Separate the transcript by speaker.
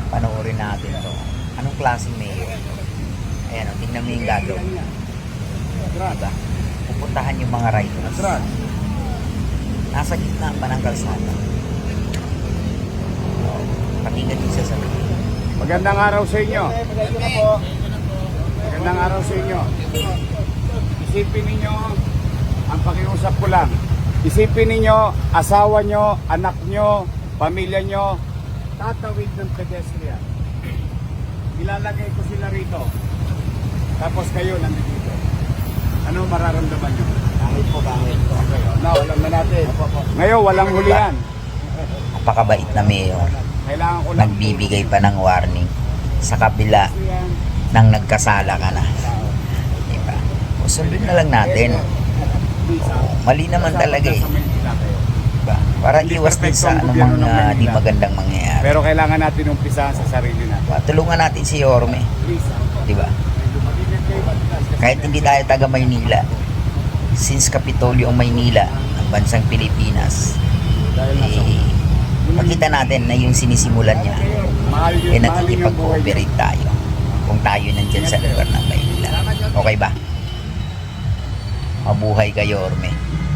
Speaker 1: Panoorin natin to. Anong klaseng mayor? Ayan o, tingnan mo yung gagawin. Diba? Pupuntahan yung mga riders. Nasa gitna pa ng kalsada. Patingin din sa sabi.
Speaker 2: Magandang araw sa inyo. Magandang araw sa inyo. Isipin ninyo, ang pakiusap ko lang, isipin ninyo, asawa nyo, anak nyo, pamilya nyo, tatawid ng pedestrian. Ilalagay ko sila rito. Tapos kayo nandito. Ano mararamdaman nyo?
Speaker 1: Bakit po?
Speaker 2: No, alam na natin. Ngayon, walang hulihan.
Speaker 1: Napakabait na mayor.
Speaker 2: Kailangan ko lang
Speaker 1: Nagbibigay pa ng warning sa kabila ng nagkasala ka na. Diba? O sundin na lang natin. Mali naman talaga eh. Diba? Para iwas din sa anumang di magandang mangyayari.
Speaker 2: Pero kailangan natin umpisahan sa sarili natin.
Speaker 1: Tulungan natin si Yorme. Diba? Kahit hindi tayo taga Maynila, since Kapitolyo ang Maynila ng bansang Pilipinas, makita natin na yung sinisimulan niya nakikipag-cooperate tayo kung tayo nandyan sa lugar ng Maynila. Okay ba? Mabuhay ka, Yorme.